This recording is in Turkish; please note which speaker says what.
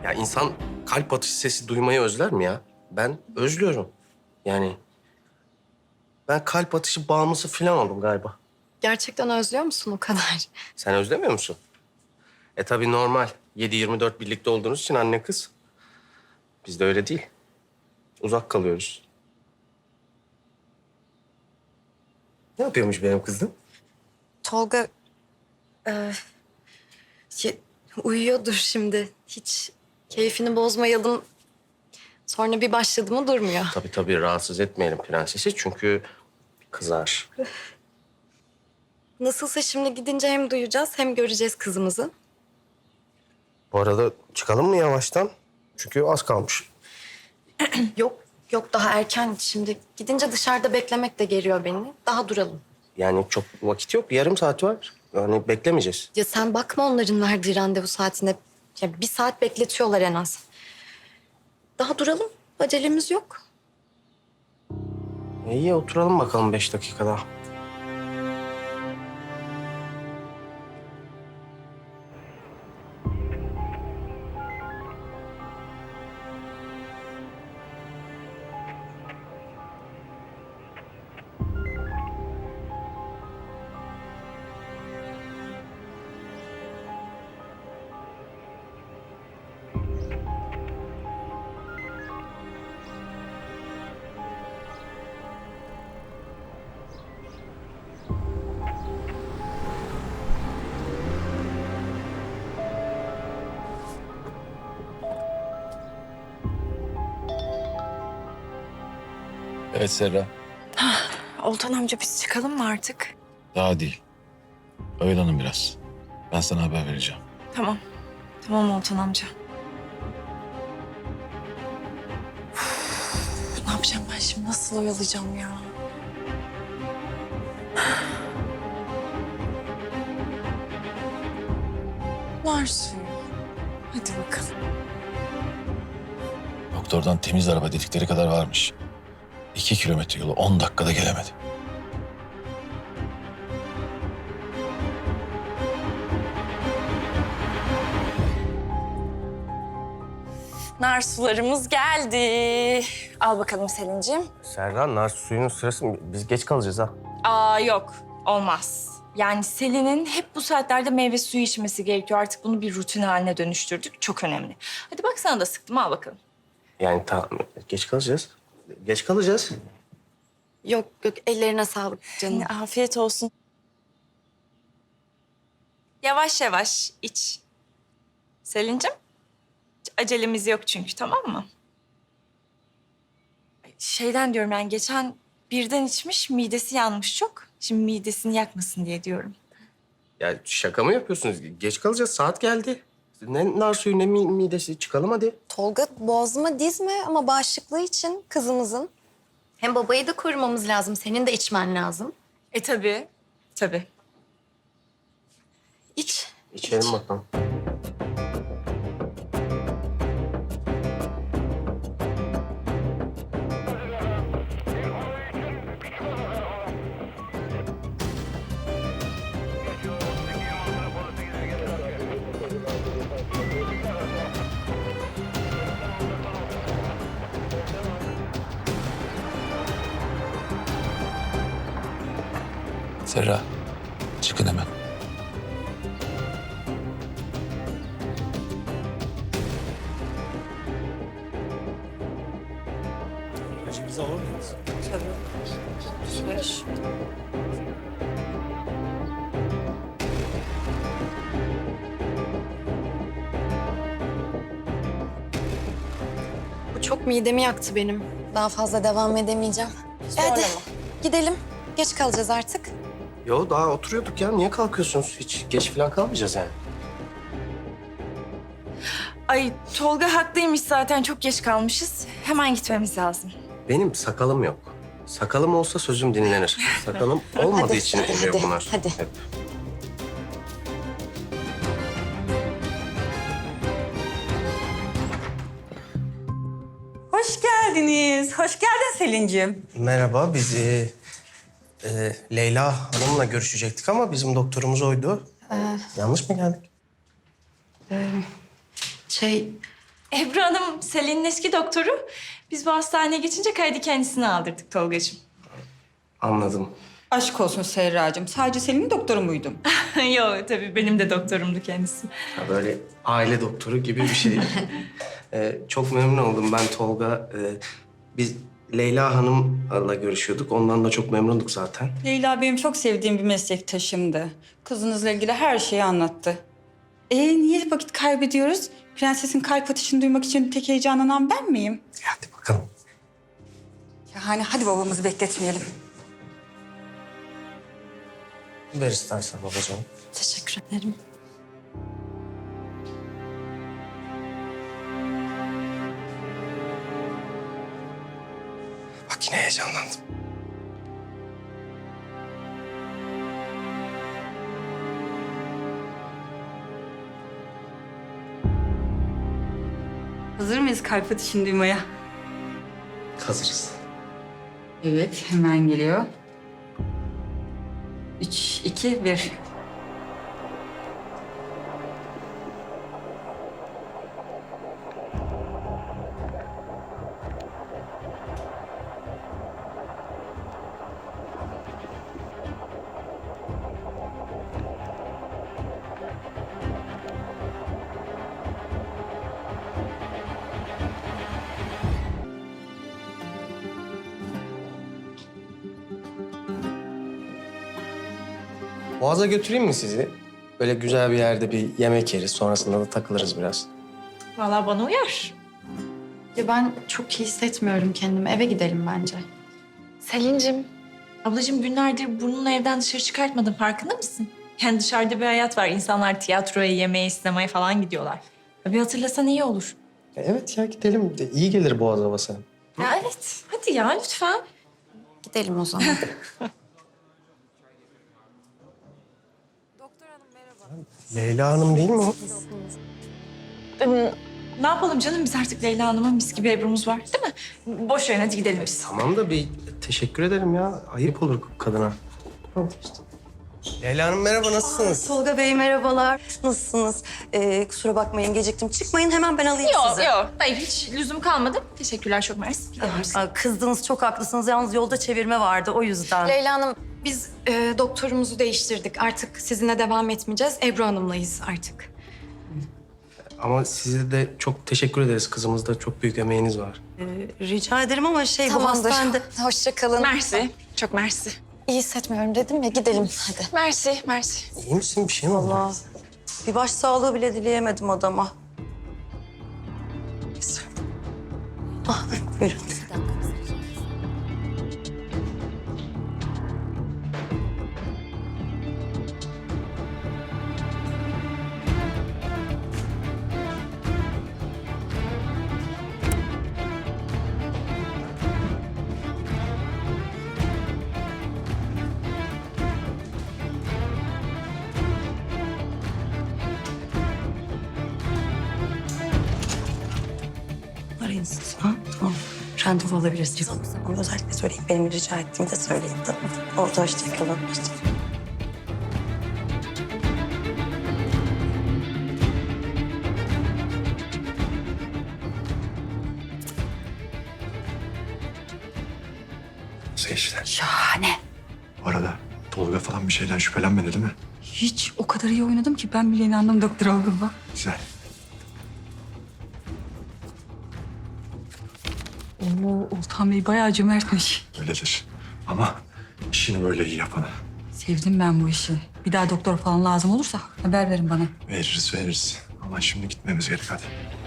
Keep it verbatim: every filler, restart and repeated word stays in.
Speaker 1: Ya insan kalp atışı sesi duymayı özler mi ya? Ben özlüyorum. Yani ben kalp atışı bağımlısı falan oldum galiba.
Speaker 2: Gerçekten özlüyor musun o kadar?
Speaker 1: Sen özlemiyor musun? E tabii normal. yedi yirmi dört birlikte olduğunuz için anne kız. Biz de öyle değil. Uzak kalıyoruz. Ne yapıyormuş benim kızım?
Speaker 2: Tolga e, şey, uyuyordur şimdi. Hiç keyfini bozmayalım. Sonra bir başladı mı durmuyor.
Speaker 1: Tabii tabii rahatsız etmeyelim prensesi çünkü kızar.
Speaker 2: Nasılsa şimdi gidince hem duyacağız hem göreceğiz kızımızı.
Speaker 1: Bu arada çıkalım mı yavaştan? Çünkü az kalmış.
Speaker 2: Yok yok daha erken şimdi. Gidince dışarıda beklemek de geriyor beni. Daha duralım.
Speaker 1: Yani çok vakit yok. Yarım saat var. Yani beklemeyeceğiz.
Speaker 2: Ya sen bakma onların verdiği randevu saatine. Ya bir saat bekletiyorlar en az. Daha duralım. Acelemiz yok.
Speaker 1: E iyi oturalım bakalım beş dakika daha.
Speaker 3: Evet Serra.
Speaker 4: Oltan amca biz çıkalım mı artık?
Speaker 3: Daha değil. Oyalanın biraz. Ben sana haber vereceğim.
Speaker 4: Tamam. Tamam Oltan amca. Üf, ne yapacağım ben şimdi? Nasıl oyalayacağım ya? Nar suyu. Hadi bakalım.
Speaker 3: Doktordan temiz araba dedikleri kadar varmış. İki kilometre yolu on dakikada gelemedi.
Speaker 4: Nar sularımız geldi. Al bakalım Selin'ciğim.
Speaker 1: Serra, nar suyunun sırası mı? Biz geç kalacağız ha.
Speaker 4: Aa yok. Olmaz. Yani Selin'in hep bu saatlerde meyve suyu içmesi gerekiyor. Artık bunu bir rutin haline dönüştürdük. Çok önemli. Hadi bak sana da sıktım. Al bakalım.
Speaker 1: Yani tamam, geç kalacağız. Geç kalacağız.
Speaker 2: Yok yok ellerine sağlık canım.
Speaker 4: Afiyet olsun. Yavaş yavaş iç. Selin'cim. Hiç acelemiz yok çünkü, tamam mı? Şeyden diyorum yani geçen birden içmiş, midesi yanmış çok. Şimdi midesini yakmasın diye diyorum.
Speaker 1: Ya şaka mı yapıyorsunuz? Geç kalacağız, saat geldi. Ne nar suyu ne mi- midesi. Çıkalım hadi.
Speaker 2: Tolga boğazıma dizme ama bağışıklığı için kızımızın. Hem babayı da korumamız lazım. Senin de içmen lazım.
Speaker 4: E tabii, tabii.
Speaker 2: İç.
Speaker 1: İçelim bakalım.
Speaker 3: Serra, çıkın hemen.
Speaker 2: Bu çok midemi yaktı benim. Daha fazla devam edemeyeceğim. Hadi gidelim. Geç kalacağız artık.
Speaker 1: Yo daha oturuyorduk ya. Niye kalkıyorsunuz? Hiç geç falan kalmayacağız yani.
Speaker 4: Ay Tolga haklıymış zaten, çok geç kalmışız. Hemen gitmemiz lazım.
Speaker 1: Benim sakalım yok. Sakalım olsa sözüm dinlenir. Sakalım olmadığı
Speaker 2: Hadi,
Speaker 1: için
Speaker 2: hadi,
Speaker 1: oluyor
Speaker 2: hadi,
Speaker 1: bunlar.
Speaker 2: hadi.
Speaker 1: Hep.
Speaker 5: Hoş geldiniz. Hoş geldin Selin'ciğim.
Speaker 1: Merhaba, biz e, e, Leyla Hanım'la görüşecektik ama bizim doktorumuz oydu. Yanlış mı geldik?
Speaker 2: Şey
Speaker 4: Ebru Hanım Selin'in eski doktoru. Biz bu hastaneye geçince kaydı kendisine aldırdık Tolgacığım.
Speaker 1: Anladım.
Speaker 5: Aşk olsun Serracığım. Sadece Selin'in doktoru muydum?
Speaker 4: Yok tabii benim de doktorumdu kendisi.
Speaker 1: Ya böyle aile doktoru gibi bir şey. Ee, çok memnun oldum ben Tolga. Ee, biz Leyla Hanım'la görüşüyorduk. Ondan da çok memnunduk zaten.
Speaker 5: Leyla benim çok sevdiğim bir meslektaşımdı. Kızınızla ilgili her şeyi anlattı. Ee niye vakit kaybediyoruz? Prensesin kalp atışını duymak için tek heyecanlanan ben miyim?
Speaker 1: Hadi bakalım.
Speaker 5: Yani hadi babamızı bekletmeyelim.
Speaker 1: Ver istersen babacığım.
Speaker 2: Teşekkür ederim.
Speaker 1: Bak yine heyecanlandım.
Speaker 5: Hazır mıyız kalp atışını duymaya?
Speaker 1: Hazırız.
Speaker 5: Evet, hemen geliyor. Üç, iki, bir.
Speaker 1: Boğaz'a götüreyim mi sizi? Böyle güzel bir yerde bir yemek yeriz. Sonrasında da takılırız biraz.
Speaker 4: Vallahi bana uyar.
Speaker 2: Ya ben çok iyi hissetmiyorum kendimi. Eve gidelim bence. Selin'cim.
Speaker 4: Ablacığım günlerdir burnunu evden dışarı çıkartmadın farkında mısın? Yani dışarıda bir hayat var. İnsanlar tiyatroya, yemeğe, sinemaya falan gidiyorlar. Ya bir hatırlasan iyi olur.
Speaker 1: Ya evet ya gidelim. De İyi gelir Boğaz havası.
Speaker 4: Ya evet. Hadi ya lütfen.
Speaker 2: Gidelim o zaman.
Speaker 1: Leyla Hanım değil mi o?
Speaker 4: Ne yapalım canım biz artık Leyla Hanım'ın mis gibi Ebru'muz var değil mi? Boş verin hadi gidelim biz.
Speaker 1: Tamam da bir teşekkür ederim ya. Ayıp olur kadına. Tamam işte. Leyla Hanım merhaba nasılsınız?
Speaker 6: Tolga Bey merhabalar. Nasılsınız? Ee, kusura bakmayın geciktim. Çıkmayın hemen ben alayım
Speaker 4: Yok
Speaker 6: sizi.
Speaker 4: yok. Hayır hiç lüzum kalmadı. Teşekkürler çok mersi. Gidelim biz.
Speaker 6: Aa, kızdınız çok haklısınız. Yalnız yolda çevirme vardı o yüzden.
Speaker 2: Leyla Hanım, biz e, doktorumuzu değiştirdik. Artık sizinle devam etmeyeceğiz. Ebru Hanım'layız artık.
Speaker 1: Ama size de çok teşekkür ederiz. Kızımızda çok büyük emeğiniz var.
Speaker 6: Ee, rica ederim ama şey bu
Speaker 2: Tamamdır.
Speaker 6: hastanede...
Speaker 2: Hoşça kalın.
Speaker 4: Mersi. Çok mersi.
Speaker 2: İyi hissetmiyorum dedim ya. Gidelim hadi.
Speaker 4: Mersi, mersi.
Speaker 1: İyi misin? Bir şey mi oldu?
Speaker 6: Allah. Bir baş sağlığı bile dileyemedim adama. Ah, buyurun. Arayın siz. Ha? Tamam. Randevu alabilirsiniz. Ama özellikle söyleyeyim. Benim rica ettiğimi de söyleyin. Tamam. Orada hoşçakalın. Hoşçakalın.
Speaker 3: Nasıl işler?
Speaker 5: Şahane.
Speaker 3: Bu arada Tolga falan bir şeyden şüphelenmedi değil mi?
Speaker 5: Hiç o kadar iyi oynadım ki ben bile inandım doktor olduğuma.
Speaker 3: Güzel.
Speaker 5: Oo, Oltan Bey bayağı cömertmiş.
Speaker 3: Öyledir. Ama işini böyle iyi yapana.
Speaker 5: Sevdim ben bu işi. Bir daha doktor falan lazım olursa haber verin bana.
Speaker 3: Veririz veririz. Ama şimdi gitmemiz gerek hadi.